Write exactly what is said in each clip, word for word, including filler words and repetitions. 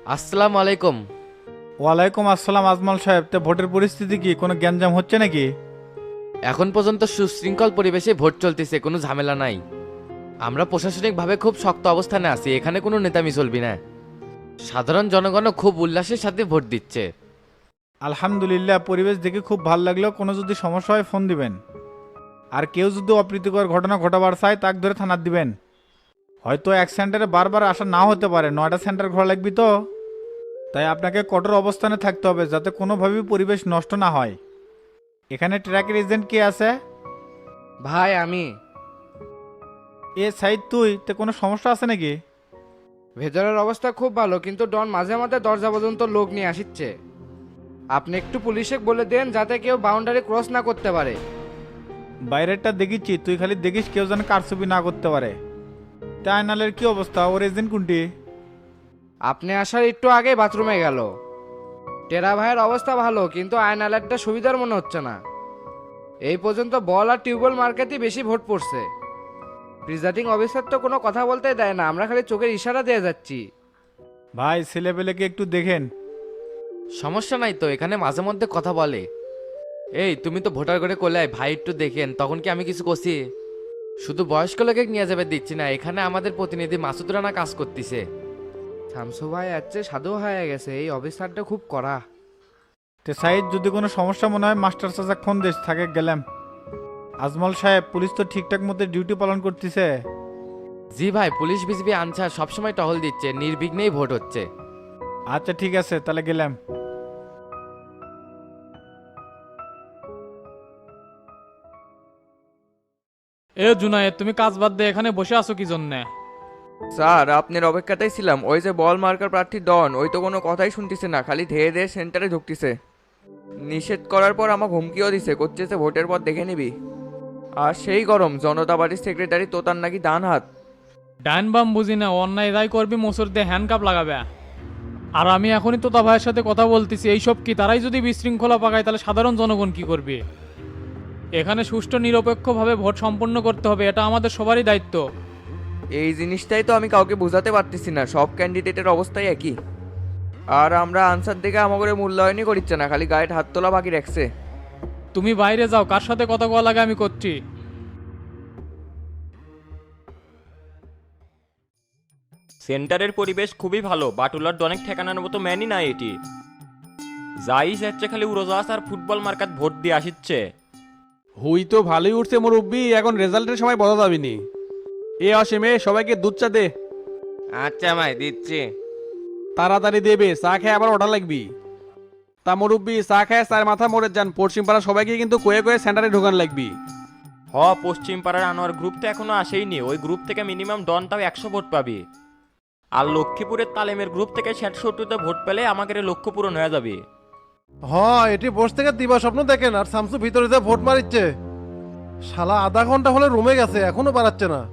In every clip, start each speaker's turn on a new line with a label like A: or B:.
A: আসসালামু আলাইকুম।
B: ওয়ালাইকুম আসসালাম আজমল সাহেব, তো ভোটের পরিস্থিতি কি, কোনো গ্যাঞ্জাম হচ্ছে নাকি?
A: এখন পর্যন্ত সুশৃঙ্খল পরিবেশে ভোট চলতেছে, কোনো ঝামেলা নাই। আমরা প্রশাসনিকভাবে খুব শক্ত অবস্থানে আছি, এখানে কোনো নেতামি চলবি না। সাধারণ জনগণও খুব উল্লাসের সাথে ভোট দিচ্ছে।
B: আলহামদুলিল্লাহ, পরিবেশ দেখে খুব ভালো লাগলো। কোনো যদি সমস্যা হয় ফোন দিবেন। আর কেউ যদি অপ্রীতিকর ঘটনা ঘটাবার চায় তাক ধরে থানার দিবেন। হয়তো এক সেন্টারে বারবার আসা নাও হতে পারে, নয়টা সেন্টার ঘোরা লাগবে তো। তাই আপনাকে কঠোর অবস্থানে থাকতে হবে যাতে কোনোভাবেই পরিবেশ নষ্ট না হয়। এখানে ট্র্যাকের এজেন্ট কে আছে?
A: ভাই আমি।
B: এ সাইড তুই, তো কোনো সমস্যা আছে নাকি?
C: ভেতরের অবস্থা খুব ভালো, কিন্তু ডন মাঝে মাঝে দরজা পর্যন্ত লোক নিয়ে আসিচ্ছে। আপনি একটু পুলিশে বলে দেন যাতে কেউ বাউন্ডারি ক্রস না করতে পারে।
B: বাইরেরটা দেখিচ্ছি, তুই খালি দেখিস কেউ যেন কারচুপি না করতে পারে। তা আয়নালের কি অবস্থা, ওর এজেন্ট কোনটি?
C: আপনি আসার একটু আগে বাথরুমে গেল। টেরা ভাইয়ের অবস্থা ভালো, কিন্তু আয়নালারটা সুবিধার মনে হচ্ছে না। এই পর্যন্ত বল আর টিউবওয়েল মার্কেটই বেশি ভোট পড়ছে। প্রিজাইডিং অফিসার তো কোনো কথা বলতেই দেয় না, আমরা খালি চোখের ইশারা দিয়ে যাচ্ছি।
B: ভাই ছেলেপেলেকে একটু দেখেন।
A: সমস্যা নাই তো, এখানে মাঝে মধ্যে কথা বলে। এই তুমি তো ভোটার করে করলে ভাই একটু দেখেন, তখন কি আমি কিছু করছি? শুধু বয়স্ক লোকে নিয়ে যাবে দিচ্ছি না, এখানে আমাদের প্রতিনিধি মাসুদ রানা কাজ করতেছে।
C: শামসু ভাই আছে সাধু হয়ে গেছে, এই অফিসারটা খুব কড়া।
B: তে সাইড যদি কোনো সমস্যা মনে হয় মাস্টার চাচা ফোন দেশ থাকে গেলাম। আজমল সাহেব, পুলিশ তো ঠিকঠাক মতো ডিউটি পালন করতেছে?
A: জি ভাই, পুলিশ বিজিবি আনসার সবসময় টহল দিচ্ছে, নির্বিঘ্নেই ভোট হচ্ছে।
B: আচ্ছা ঠিক আছে, তাহলে গেলাম।
D: এ জুনায়েদ, তুমি কাজ বাদ দিয়ে এখানে বসে আছো কি জন্যে?
E: স্যার আপনার অপেক্ষাতেই ছিলাম। ওই যে বল মার্কার প্রার্থী ডন, ওই তো কোনো কথাই শুনতেছে না, খালি ধেয়ে ধেয়ে সেন্টারে ঢুকতেছে। নিষেধ করার পর আমাকে হুমকিও দিছে, করতেছে ভোটের পর দেখে নিবি। আর সেই গরম, জনতা পার্টির সেক্রেটারি তোতার নাকি ডান হাত।
D: ডাইন বাম বুঝি না, অন্যায় রায় করবি মোসর দিয়ে হ্যান্ডকাপ লাগাবে। আর আমি এখনই তোতা ভাইয়ের সাথে কথা বলতেছি, এইসব কি তারাই যদি বিশৃঙ্খলা পাকায় তাহলে সাধারণ জনগণ কি করবে? এখানে সুষ্ঠু নিরপেক্ষভাবে ভোট সম্পন্ন করতে হবে, এটা আমাদের সবারই দায়িত্ব।
E: এই জিনিসটাই তো আমি কাউকে বোঝাতে পারতেছি না, সব ক্যান্ডিডেটের অবস্থাই একই। আর আমরা আনসার দেখে আমাকে মূল্যায়নই করিচ্ছে না, খালি গায়ে হাত তোলা বাকি রাখছে।
D: তুমি বাইরে যাও, কার সাথে কথা কওয়া লাগে আমি করছি।
F: সেন্টারের পরিবেশ খুবই ভালো, বাটুলার অনেক ঠেকানোর মতো ম্যানই নাই এটি। যাই যাচ্ছে খালি উড়োজাহাজ আর ফুটবল মার্কাত ভোট দিয়ে আসিচ্ছে।
G: হুই তো ভালোই উঠছে মুরব্বি, এখন রেজাল্টের সময় বোঝা যাবেনি। এ অসীমে সবাইকে দুধ চা দে।
E: আচ্ছা ভাই দিচ্ছি।
G: তাড়াতাড়ি দেবে, চা খেয়ে আবার ওঠা লাগবি। তা মুরব্বি, চা খেয়ে চার মাথা মরে যান, পশ্চিম পাড়া সবাইকে কিন্তু কয়ে কয়ে সেন্টারে ঢোকান লাগবি।
F: হ, পশ্চিম পাড়ার আনোয়ার গ্রুপ তো এখনো আসেইনি, ওই গ্রুপ থেকে মিনিমাম ডনটাও একশো ভোট পাবি। আর লক্ষ্মীপুরের তালেমের গ্রুপ থেকে ষাট সত্তরটা ভোট পেলে আমাদের এই লক্ষ্য পূরণ হয়ে যাবে।
H: হ, এটি বস থেকে দিবা স্বপ্ন দেখেন আর শামসু ভিতরে যে ভোট মারিচ্ছে। শালা আধা ঘন্টা হলে রুমে গেছে, এখনো বাড়াচ্ছে না।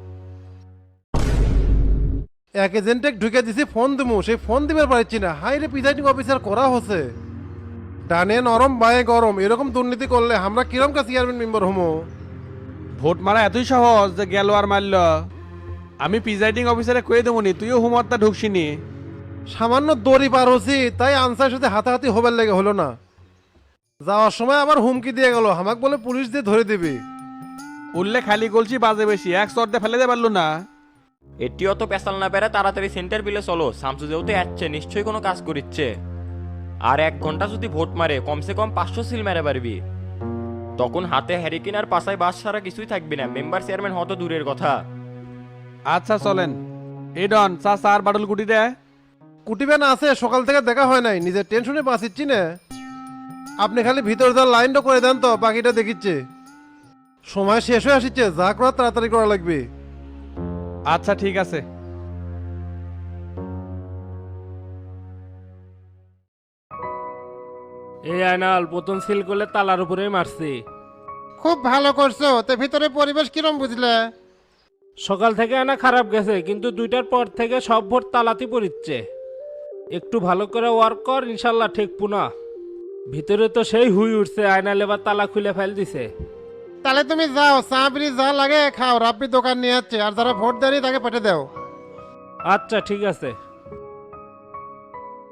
H: এক এজেন্টে ঢুকে দিছি, ফোন দিমু, সেই ফোন দিবার পারছি না। হাই রে, প্রিজাইডিং অফিসার করা হচ্ছে। ডানে নরম বায়ে গরম, এরকম দুর্নীতি করলে আমরা কিরম কা চেয়ারম্যান মেম্বার হমো?
G: ভোট মারা এতই সহজ যে গেল আর মারল। আমি প্রিজাইডিং অফিসারে কয়ে দেবনি, তুইও হুমরটা ঢুকছিনি।
H: সামান্য দড়ি পার হচ্ছি, তাই আনসার সাথে হাতাহাতি হবার লেগে হলো না। যাওয়ার সময় আবার হুমকি দিয়ে গেল, আমাকে বলে পুলিশ দিয়ে ধরে দিবি।
G: উল্লে খালি গলছি বাজে বেশি, এক চর্দে ফেলে দে পারলো না।
F: এটিও তো পেশাল না পেরে তাড়াতাড়ি সেন্টার বিলে চলো, শামসু যেহেতু যাচ্ছে নিশ্চয়ই কোনো কাজ করিচ্ছে। আর এক ঘন্টা যদি ভোট মারে কমসে কম পাঁচশো সিল মেরে পারবি। তখন হাতে হ্যারিকেন আর পাশায় বাস ছাড়া কিছুই থাকবি না, মেম্বার চেয়ারম্যান হতো দূরের কথা।
G: আচ্ছা চলেন। এই ডন, চা চা আর বাটুল কুটি দে।
H: কুটিবেন আছে, সকাল থেকে দেখা হয় নাই, নিজের টেনশনে বাঁচিচ্ছি না। আপনি খালি ভিতর যাওয়ার লাইনটা করে দেন তো, বাকিটা দেখিচ্ছে। সময় শেষ হয়ে আসছে, যা করার তাড়াতাড়ি করা লাগবে।
G: আচ্ছা ঠিক আছে।
I: এই আয়নাল প্রথম সিল করলে তালার উপরেই মারছি।
H: খুব ভালো করছো, তো ভিতরে পরিবেশ কিরম বুঝলে?
I: সকাল থেকে আনা খারাপ গেছে, কিন্তু দুইটার পর থেকে সব ভোট তালাতি পড়িচ্ছে। একটু ভালো করে ওয়ার্ক কর, ইনশাল্লাহ ঠিক পুনা। ভিতরে তো সেই হুই উঠছে, আয়না লেবার তালা খুলে ফেল দিছে।
H: তাহলে তুমি যাও, চা বিড়ি যা লাগে খাও, রাব্বি দোকান নিয়ে যাচ্ছে, আর যারা ভোট দেয়নি তাকে পেটে দাও।
I: আচ্ছা ঠিক আছে।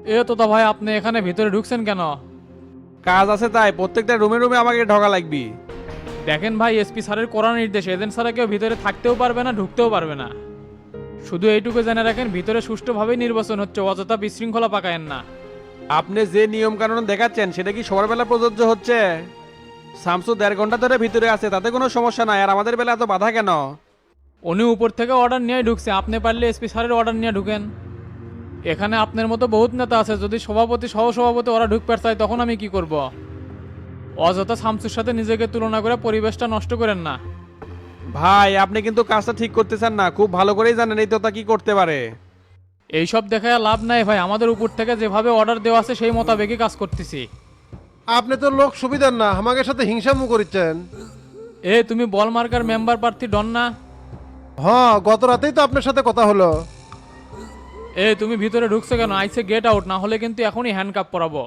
D: এ তোতা ভাই আপনি এখানে ভিতরে ঢুকছেন কেন?
G: কাজ আছে তাই প্রত্যেকটা রুমে রুমে আমাকে ঢোকা লাগবি।
D: দেখেন ভাই, এসপি স্যারের কড়া নির্দেশ, এজেন্ট ছাড়া কেউ ভিতরে থাকতেও পারবে না, ঢুকতেও পারবে না। শুধু এইটুকু জেনে রাখেন, ভিতরে সুষ্ঠুভাবেই নির্বাচন হচ্ছে, অযথা বিশৃঙ্খলা পাকায়েন না।
G: আপনি যে নিয়ম কানুন দেখাচ্ছেন সেটা কি সবার বেলা প্রযোজ্য হচ্ছে? শামসু দেড় ঘন্টা ধরে ভিতরে আছে, তাতে কোনো সমস্যা নাই, আর আমাদের বেলা এত বাধা কেন?
D: উনি উপর থেকে অর্ডার নিয়ে ঢুকছে, আপনি পারলে এসপি স্যারের অর্ডার নিয়ে ঢুকেন। এখানে আপনার মতো বহুত নেতা আছে, যদি সভাপতি সহ সভাপতি ওরা ঢুকতে চায় তখন আমি কি করব? অযথা শামসুর সাথে নিজেকে তুলনা করে পরিবেশটা নষ্ট করেন না।
G: ভাই আপনি কিন্তু কাজটা ঠিক করতেছেন না, খুব ভালো করেই জানেন এই তোতা কি করতে পারে।
D: এইসব দেখায় লাভ নাই ভাই, আমাদের উপর থেকে যেভাবে অর্ডার দেওয়া আছে সেই মোতাবেকই কাজ করতেছি।
H: আপনি তো লোক সুবিধার না, আমাকে সাথে হিংসামু করিচ্ছেন।
D: এ তুমি বল মার্কার মেম্বার প্রার্থী ডন না?
H: হ্যাঁ, গত রাতেই তো আপনার সাথে কথা হলো।
D: এ তুমি ভিতরে ঢুকছো কেন? আইসে গেট আউট, না হলে কিন্তু এখনই হ্যান্ডকাপ পরাবো।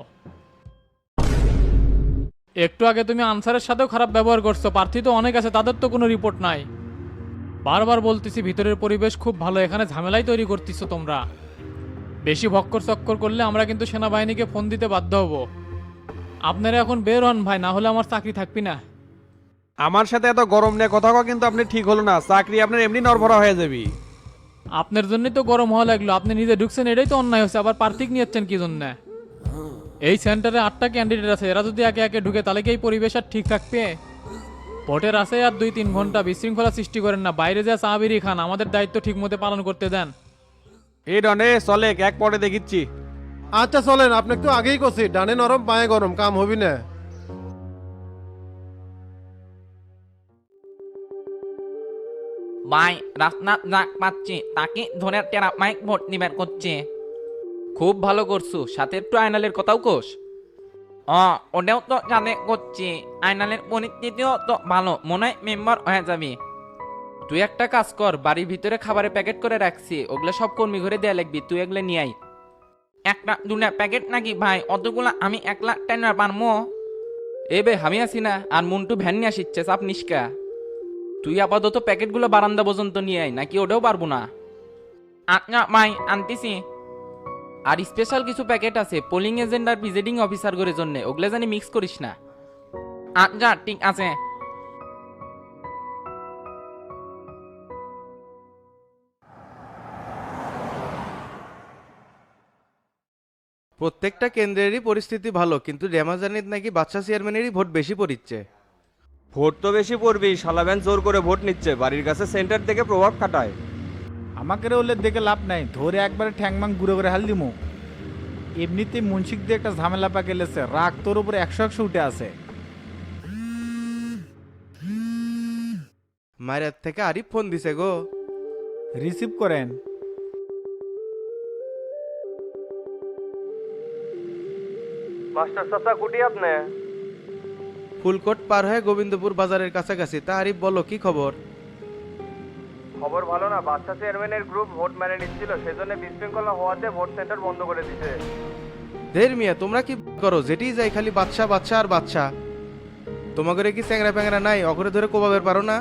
D: একটু আগে তুমি আনসারের সাথেও খারাপ ব্যবহার করছো, প্রার্থী তো অনেক আছে, তাদের তো কোনো রিপোর্ট নাই। বারবার বলতেছি ভিতরের পরিবেশ খুব ভালো, এখানে ঝামেলাই তৈরি করতেছো তোমরা। বেশি ভক্কর চক্কর করলে আমরা কিন্তু সেনাবাহিনীকে ফোন দিতে বাধ্য হব। আপনারা এখন বের হন ভাই, না হলে আমার চাকরি থাকবি না।
G: আমার সাথে এত গরম নিয়ে কথা কওয়া কিন্তু আপনি ঠিক হলো না, চাকরি আপনার এমনি নড়ভরা হয়ে যাবি।
D: আপনার জন্যই তো গরম হওয়া লাগলো, আপনি নিজে ঢুকছেন এটাই তো অন্যায় হচ্ছে, আবার প্রার্থী নিয়েছেন কি জন্য? এই সেন্টারে আটটা ক্যান্ডিডেট আছে, এরা যদি একে একে ঢুকে তাহলে কি এই পরিবেশ আর ঠিক থাকবে? ভোটের আছে আর দুই তিন ঘন্টা, বিশৃঙ্খলা সৃষ্টি করেন না, বাইরে যা চা বিড়ি খান, আমাদের দায়িত্ব ঠিক মতো পালন করতে দেন।
G: এই ডনে চলে এক পরে দেখিচ্ছি।
H: আচ্ছা চলেন, আপনাকে তো আগেই কছি ডানে নরম পায়ে গরম, কাম হবি না।
J: ভাই রাস্তার যাক পাচ্ছি, তাকে ধরে টেরা মাইক ভোট নিবেন করছে।
A: খুব ভালো করছু, সাথে একটু আয়নালের কথাও কোষ।
J: ও ওটাও তো জানে করছি, আইনালের পরিস্থিতিও তো ভালো, মনে হয় মেম্বার হয়ে যাবি।
A: তুই একটা কাজ কর, বাড়ির ভিতরে খাবারের প্যাকেট করে রাখছি, ওগুলো সব কর্মী ঘরে দেয়া লাগবি, তুই এগুলো নিয়ে আই।
J: একটা দুটা প্যাকেট নাকি ভাই? অতগুলা আমি এক লাখ টাকা পারমো?
A: এ বে আমি আসি না, আর মন্টু ভ্যান নিয়ে আসিচ্ছে, চাপ নিষ্কা। তুই আপাতত প্যাকেটগুলো বারান্দা পর্যন্ত নিয়ে আয়, নাকি ওটাও পারবো না?
J: আচ্ছা ভাই আনতেছি।
A: আর স্পেশাল কিছু প্যাকেট আছে পোলিং এজেন্ট আর প্রিজাইডিং অফিসার করে জন্য, ওগুলো জানি মিক্স করিস না।
J: আচ্ছা ঠিক আছে।
K: প্রত্যেকটা কেন্দ্রেরই পরিস্থিতি ভালো, কিন্তু রেমাজানিত নাকি বাদশা চেয়ারম্যানেরই ভোট বেশি পড়িচ্ছে।
E: ভোট তো বেশি পড়বি, শালাবেন জোর করে ভোট নিচ্ছে, বাড়ির কাছে সেন্টার থেকে প্রভাব খাটায়।
B: আমাকে রে ওলে দেখে লাভ নাই, ধরে একবারে ঠ্যাংমাং গুঁড়ো করে হাল দিমু। এমনিতেই মুন্সিক দিয়ে একটা ঝামেলা পা গেলেছে, রাগ তোর উপরে একশো একশো উঠে আছে।
K: মায়ের থেকে আরিফ ফোন দিছে গো।
B: রিসিভ করেন।
E: মাস্টার চাচা কুটি আপনি?
K: ফুলকোট পার হয়ে গোবিন্দপুর বাজারের কাছাকাছি। তা আরিফ বলো, কি খবর?
E: খবর ভালো না, বাদশা চেয়ারম্যানের গ্রুপ ভোট মেনে নিচ্ছিল, সেজন্য বিশৃঙ্খলা হওয়াতে ভোট সেন্টার বন্ধ করে দিছে।
K: দের মিয়া, তোমরা কি করো? যেটি যাই খালি বাদশা বাদশা আর বাদশা। তোমাদের কি চ্যাংরা প্যাংরা নাই? অগরে ধরে কোবাবের পারো না?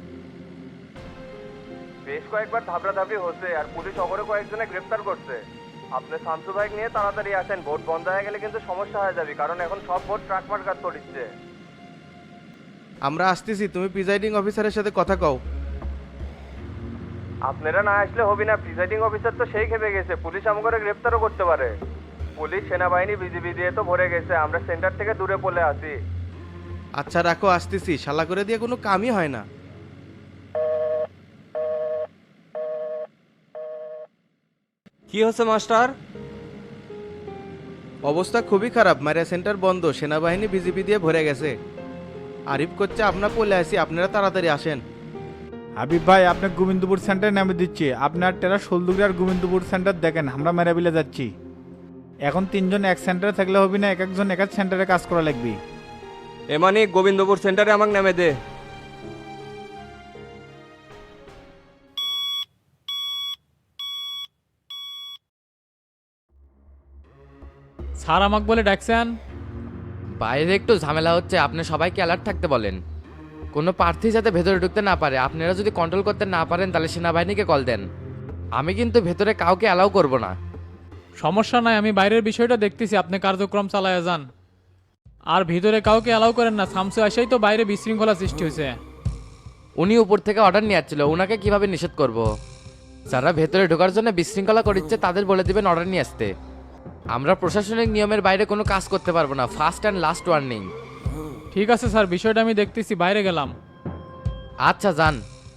E: বেশ কয়েকবার ধাপড়া ধাপড়ি হচ্ছে, আর পুলিশ অগরে কয়েকজনে গ্রেফতার করছে। আপনি শামসু ভাই নিয়ে তাড়াতাড়ি আসেন, ভোট বন্ধ হয়ে গেলে কিন্তু সমস্যা হয়ে যাবে, কারণ এখন সব ভোট ট্রাক মার্কার তড়িচ্ছে।
K: আমরা আসতেছি, তুমি প্রিজাইডিং অফিসারের সাথে কথা কও।
E: আপনারা না আসলে হবি না, প্রিসাইডিং অফিসার তো সেই খেপে গেছে, পুলিশ আমাকে গ্রেফতারও করতে পারে। পুলিশ সেনাবাহিনী বিজিবি দিয়ে তো ভরে গেছে, আমরা সেন্টার থেকে দূরে পড়ে আছি।
K: আচ্ছা রাখো, আসতেছি। শালা করে দিয়ে কোনো কামই হয় না।
E: কি হচ্ছে মাস্টার?
K: অবস্থা খুবই খারাপ, মারিয়া সেন্টার বন্ধ, সেনাবাহিনী বিজিবি দিয়ে ভরে গেছে। আরিফ করছে আপনার পলে আসি, আপনারা তাড়াতাড়ি আসেন।
B: হাবিব ভাই, আপনি গোবিন্দপুর সেন্টারে নামে দিচ্ছি, আপনার টেরা শোলদুগরি আর গোবিন্দপুর সেন্টার দেখেন, আমরা মেরাবিলে যাচ্ছি। এখন তিনজন এক সেন্টারে থাকলে হবে না, এক একজন এক এক সেন্টারে কাজ করা লাগবে।
E: এমানি গোবিন্দপুর সেন্টারে আমাকে নামে দে।
D: স্যার আমাকে বলে ডাকছেন?
A: বাইরে একটু ঝামেলা হচ্ছে, আপনি সবাইকে অ্যালার্ট থাকতে বলেন। কোনো প্রার্থী যাতে ভেতরে ঢুকতে না পারে, আপনারা যদি কন্ট্রোল করতে না পারেন তাহলে সেনাবাহিনীকে কল দেন। আমি কিন্তু ভেতরে কাউকে অ্যালাউ করব না।
D: সমস্যা নাই, আমি বাইরের বিষয়টা দেখতেছি, আপনি কার্যক্রম চালায় যান। আর ভিতরে কাউকে অ্যালাউ করেন না, সামসু আসাই তো বাইরে বিশৃঙ্খলা সৃষ্টি হয়েছে।
A: উনি উপর থেকে অর্ডার নিয়ে আসছিল, ওনাকে কিভাবে নিষেধ করব। যারা ভেতরে ঢোকার জন্য বিশৃঙ্খলা করিচ্ছে তাদের বলে দিবেন অর্ডার নিয়ে আসতে। আমরা প্রশাসনিক নিয়মের বাইরে কোনো কাজ করতে পারবো না, ফার্স্ট অ্যান্ড লাস্ট ওয়ার্নিং।
D: ঠিক আছে স্যার, বিষয়টা আমি দেখতেছি, বাইরে গেলাম।
A: আচ্ছা যান।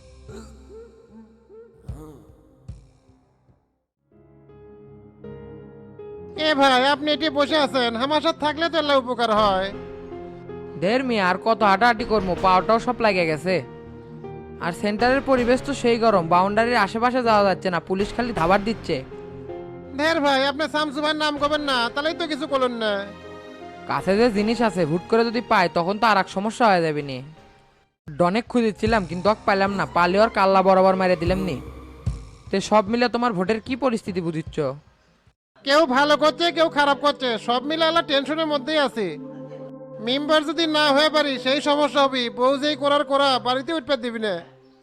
H: এ ভাই আপনি এটি বসে আছেন, আমার সাথে থাকলে তো এলা উপকার হয়।
C: ঢের মেয়ে আর কত হাঁটাহাঁটি করবো, পাওয়াটাও সব লাগে গেছে। আর সেন্টারের পরিবেশ তো সেই গরম, বাউন্ডারির আশেপাশে যাওয়া যাচ্ছে না, পুলিশ খালি ধাবার দিচ্ছে।
H: ঢের ভাই আপনি শামসু ভাইয়ের নাম করবেন না, তাহলেই তো কিছু করলেন না।
C: কাছে যে জিনিস আছে হুট করে যদি পাই তখন তো আর এক সমস্যা হয়ে যাবে নি। অনেক খুঁজেছিলাম কিন্তু অক পাইলাম না, পালে আর কাল্লা বরাবর মেরে দিলাম নি। তে সব মিলে তোমার ভোটের কি পরিস্থিতি বুঝিচ্ছ?
H: কেউ ভালো করছে কেউ খারাপ করছে, সব মিলে আলা টেনশনের মধ্যেই আছে। মেম্বার যদি না হয়ে পারি সেই সমস্যা হবে, বউ যেই করার করা বাড়িতে উঠতে দিবি না।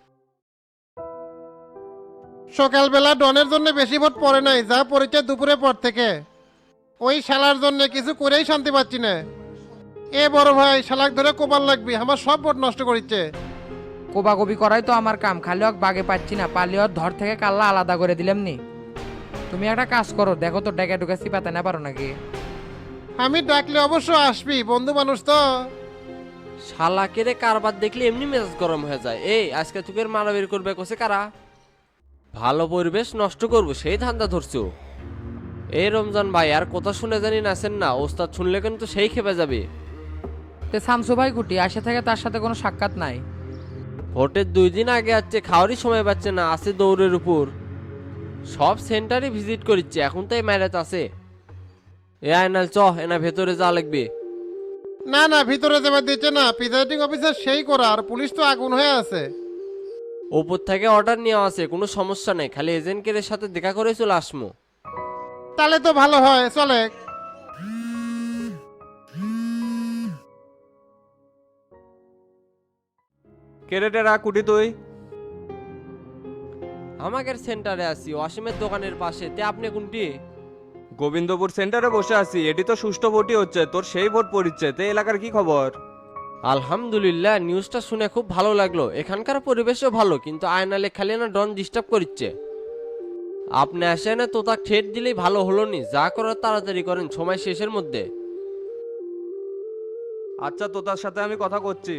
H: সকালবেলা ডনের জন্য বেশি ভোট পড়ে নাই, যা পড়েছে দুপুরের পর থেকে। ওই শালার জন্য কিছু করেই শান্তি পাচ্ছি না। এ বড় ভাই শালাক ধরে কোপাল লাগবি, আমার সব ভোট নষ্ট করিচ্ছে।
C: কোবাকবি করাই তো আমার কাম, খালি অক বাগে পাচ্ছি না, পালি ওর ধর থেকে কাল্লা আলাদা করে দিলাম নি। তুমি একটা কাজ করো, দেখো তো ডেকে ডুকে চিপাতে না পারো নাকি।
H: আমি ডাকলে অবশ্য আসবি, বন্ধু মানুষ তো।
L: শালাকে রে কারবার দেখলে এমনি মেজাজ গরম হয়ে যায়। এই আজকে তোকে মারামারি করবে কোসে কারা? ভালো পরিবেশ নষ্ট করবো সেই ধান্দা ধরছো? এই রমজান ভাই আর কথা শুনে জানি নাচেন না, ওস্তাদ শুনলে কিন্তু সেই খেপে যাবে।
C: তে শামসু ভাই কুটি আসে থেকে তার সাথে কোনো সাক্ষাৎ নাই।
L: ভোটের দুই দিন আগে আসছে, খাওয়ারই সময় পাচ্ছে না, আছে দৌড়ের উপর। সব সেন্টারে ভিজিট করিচ্ছে, এখন তাই ম্যারেজ আছে। এ আয়নাল চ, এনা ভেতরে যা লাগবে।
H: না না ভিতরে যাবার দিচ্ছে না, প্রিজাইডিং অফিসার সেই করা, আর পুলিশ তো আগুন হয়ে আছে।
L: ওপর থেকে অর্ডার নেওয়া আছে, কোনো সমস্যা নেই, খালি এজেন্টের সাথে দেখা করে চলে আসমো।
H: তাহলে তো ভালো হয়, চলে।
E: কেরেটেরা কুটি তুই?
L: আমাদের সেন্টারে আছি, অসীমের দোকানের পাশে। তে আপনি কোনটি?
E: গোবিন্দপুর সেন্টারে বসে আছি, এটি তো সুষ্ঠু ভোটই হচ্ছে, তোর সেই ভোট পড়িচ্ছে। তে এলাকার কি খবর?
L: আলহামদুলিল্লাহ, নিউজটা শুনে খুব ভালো লাগলো। এখানকার পরিবেশও ভালো, কিন্তু আয়নালে খালি না ডন ডিস্টার্ব করছে। আপনি আসেন তো তা ঠেট দিলেই ভালো হলো নি, যা করার তাড়াতাড়ি করেন, সময় শেষের মধ্যে।
E: আচ্ছা, তো তার সাথে আমি কথা করছি।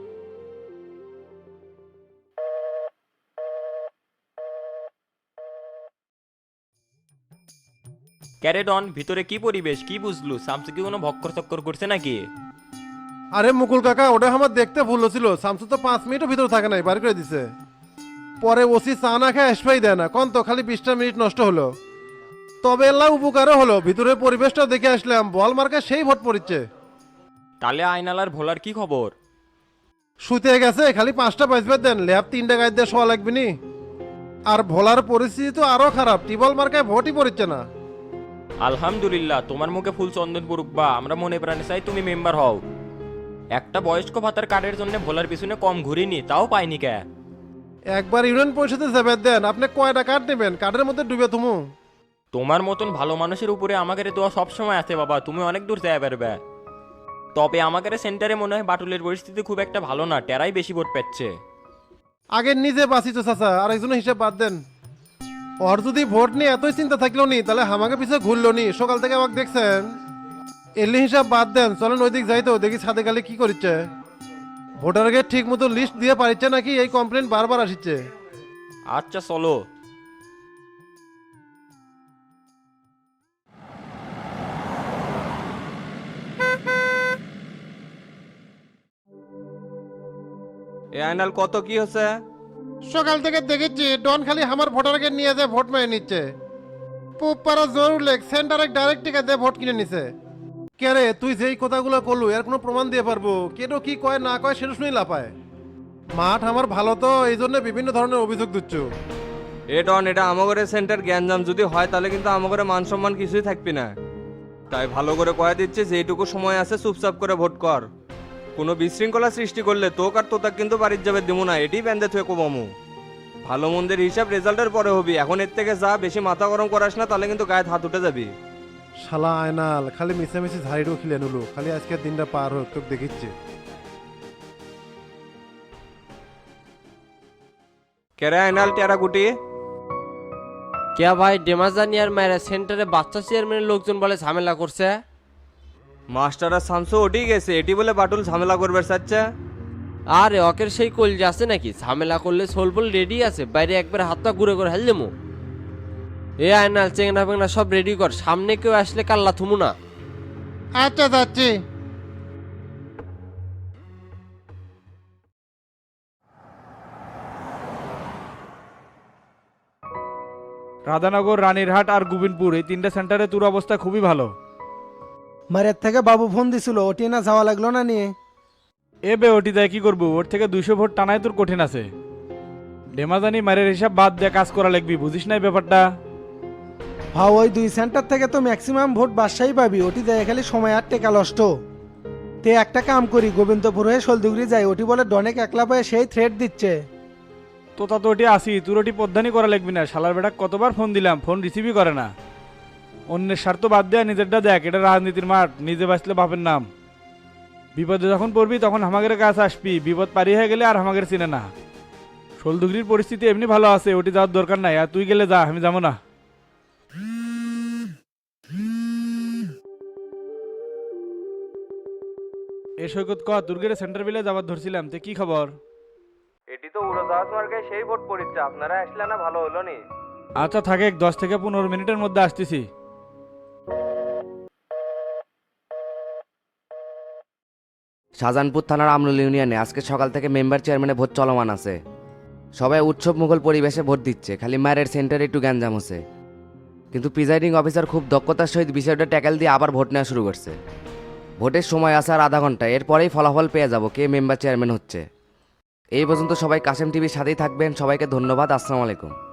F: ক্যারেডন, ভিতরে কি পরিবেশ, কি বুঝলু? সামসু কি কোনো ভক্কর চক্কর করছে নাকি?
H: আরে মুকুল কাকা, ওটা আমার দেখতে ভুল ছিল। শামসু তো পাঁচ মিনিটও ভিতরে থাকে নাই, বার করে দিছে। পরে ওসি চা না খেয়ে আসবেই দেয় না, কোন তো খালি বিশটা মিনিট নষ্ট হলো। তবে এলাম উপকারও হলো, ভিতরের পরিবেশটা দেখে আসলাম, বল মার্কা সেই ভোট পড়িচ্ছে।
F: তাহলে আয়নালার ভোলার কি খবর?
H: শুতে গেছে, খালি পাঁচটা বাজবে দেন, ল্যাব তিনটা গাছ দিয়ে শোয়া লাগবে নি। আর ভোলার পরিস্থিতি তো আরো খারাপ, টিবল মার্কায় ভোটই পড়িচ্ছে না।
F: আলহামদুলিল্লাহ, তোমার মুখে ফুল চন্দন পড়ুক বা, আমরা মনে প্রাণে চাই তুমি মেম্বার হও। একটা বয়স্ক ভাতার কার্ডের জন্য ভোলার পিছনে কম ঘুরিনি, তাও পাইনি কে।
H: একবার ইউনিয়ন পরিষদে যাবে দেন, আপনি কয়টা কার্ড নেবেন, কার্ডের মধ্যে ডুবে তুমু।
F: তোমার মতন ভালো মানুষের উপরে আমাদের দোয়া সবসময় আছে বাবা, তুমি অনেক দূর যাই পারবে। তবে আমাদের সেন্টারে মনে হয় বাটুলের পরিস্থিতি খুব একটা ভালো না, টেরাই বেশি ভোট পাচ্ছে।
H: আগে নিজে বাঁচি তো চাচা, আর একজনের হিসাব বাদ দেন। ওর যদি ভোট নিয়ে এতই চিন্তা থাকলো নি, তাহলে আমাকে পিছিয়ে ঘুরলো নি, সকাল থেকে আমাকে দেখছেন। এলি হিসাব বাদ দেন, চলেন ওই দিক যাই তো, দেখি ছাদে গেলে কি করছে। ভোটারকে ঠিক মতো লিস্ট দিয়ে পারিচ্ছে নাকি, এই কমপ্লেন বারবার আসছে।
F: আচ্ছা চলো।
E: এ আয়নাল কত কি হচ্ছে?
H: সকাল থেকে দেখেছি ডন খালি আমার ভোটারকে নিয়ে যায় ভোট মেরে নিচ্ছে। পুপ পাড়া জোর উল্লেখ, সেন্টারে ডাইরেক্ট টিকা দিয়ে ভোট কিনে নিছে। কে রে তুই যেই কথাগুলো করলু এর কোনো প্রমাণ দিয়ে পারবো? কেন কি কয় না কয় সেটা শুনেই লাপায়। মাঠ আমার ভালো তো, এই জন্য বিভিন্ন ধরনের অভিযোগ দিচ্ছ।
E: এ ডন, এটা আমাগরে সেন্টার জ্ঞানজাম যদি হয় তাহলে কিন্তু আমাগরে মান সম্মান কিছুই থাকবি না। তাই ভালো করে কয়ে দিচ্ছে, যেইটুকু সময় আছে চুপচাপ করে ভোট কর। কোনো বিশৃঙ্খলা সৃষ্টি করলে তোক আর তোতাক কিন্তু বাড়ির যাবে দেবো না, এটি ব্যান্ডে থুয়ে কমামু।
K: ভালো মন্দের হিসাব রেজাল্টের পরে হবি, এখন এর থেকে যা, বেশি মাথা গরম করাস না, তাহলে কিন্তু গায়ে হাত উঠে যাবি।
H: শালা আয়নাল খালি মিশামিশি ঝাড়িটাও খিলে নিলো, খালি আজকের দিনটা পার হোক তোকে দেখিচ্ছে।
K: কেরে আইনাল টেরা গুটি?
L: কে ভাই ডেমাজানিয়ার মায়েরা সেন্টারে বাচ্চা চেয়ারম্যানের লোকজন বলে ঝামেলা করছে।
K: মাস্টার আর শামসু ওটি গেছে, এটি বলে বাটুল ঝামেলা করবে চাচ্ছে।
L: আরে অকের সেই কলজা আছে নাকি, ঝামেলা করলে সোলবল রেডি আছে, বাইরে একবার হাতটা ঘুরে করে হেল দেবো। এ আয়নাল চেংনা ফেংনা সব রেডি কর, সামনে কেউ আসলে কাল্লা থুমু না।
H: আচ্ছা যাচ্ছি।
B: রাধানগর, রানীরহাট আর গোবিন্দপুর এই তিনটা সেন্টারে তোর অবস্থা খুবই ভালো।
M: মারের থেকে বাবু ফোন দিছিল, ওটি না যাওয়া লাগলো না নিয়ে।
B: এ বে ওটি দেয় কি করবো, ওর থেকে দুইশো ভোট টানায় তোর কঠিন আছে। ডেমাজানি মারের হিসাব বাদ দিয়ে কাজ করা লাগবি, বুঝিস না এই ব্যাপারটা?
M: ভাও ওই দুই সেন্টার থেকে তো ম্যাক্সিমাম ভোট বাদশাহী পাবি, ওটি দেয় খালি সময় আর টেকা নষ্ট। তে একটা কাম করি, গোবিন্দপুর হয়ে শোলদুগরি যাই, ওটি বলে ডনেক একলা পায়ে সেই থ্রেট দিচ্ছে।
B: তো তা তো ওটি আসি, তোর ওটি পদ্ধানি করা লাগবি না। শালার বেটা কতবার ফোন দিলাম, ফোন রিসিভই করে না। অন্যের স্বার্থ বাদ দেয়া নিজেরটা দেখ, এটা রাজনীতির মাঠ, নিজে বাঁচলে বাপের নাম। বিপদে যখন পড়বি তখন হামাগের কাছে আসবি, বিপদ পারি হয়ে গেলে আর হামাগের চিনে না। শোলদুগরির পরিস্থিতি এমনি ভালো আছে, ওটি যাওয়ার দরকার নাই, আর তুই গেলে যা, আমি যাবো না। এ সৈকত ক, দুর্গের সেন্টার বিলে যাবার ধরছিলাম, তে কি খবর?
K: এটি তো উড়োজাহাজ মার্গে সেই ভোট পড়িচ্ছে, আপনারা আসলে না ভালো হলো নি।
B: আচ্ছা থাকে, দশ থেকে পনেরো মিনিটের মধ্যে আসতেছি।
N: শাহজাহানপুর থানার আমরুল ইউনিয়নে আজকে সকাল থেকে মেম্বার চেয়ারম্যানের ভোট চলমান আছে। সবাই উৎসব মুঘল পরিবেশে ভোট দিচ্ছে, খালি মায়ের সেন্টারে একটু গ্যাঞ্জাম হচ্ছে। কিন্তু প্রিজাইডিং অফিসার খুব দক্ষতার সহিত বিষয়টা ট্যাকেল দিয়ে আবার ভোট নেওয়া শুরু করছে। ভোটের সময় আছে আর আধা ঘন্টা, এরপরেই ফলাফল পেয়ে যাব কে মেম্বার চেয়ারম্যান হচ্ছে। এই পর্যন্ত সবাই কাশেম টিভির সাথেই থাকবেন, সবাইকে ধন্যবাদ, আসসালামু আলাইকুম।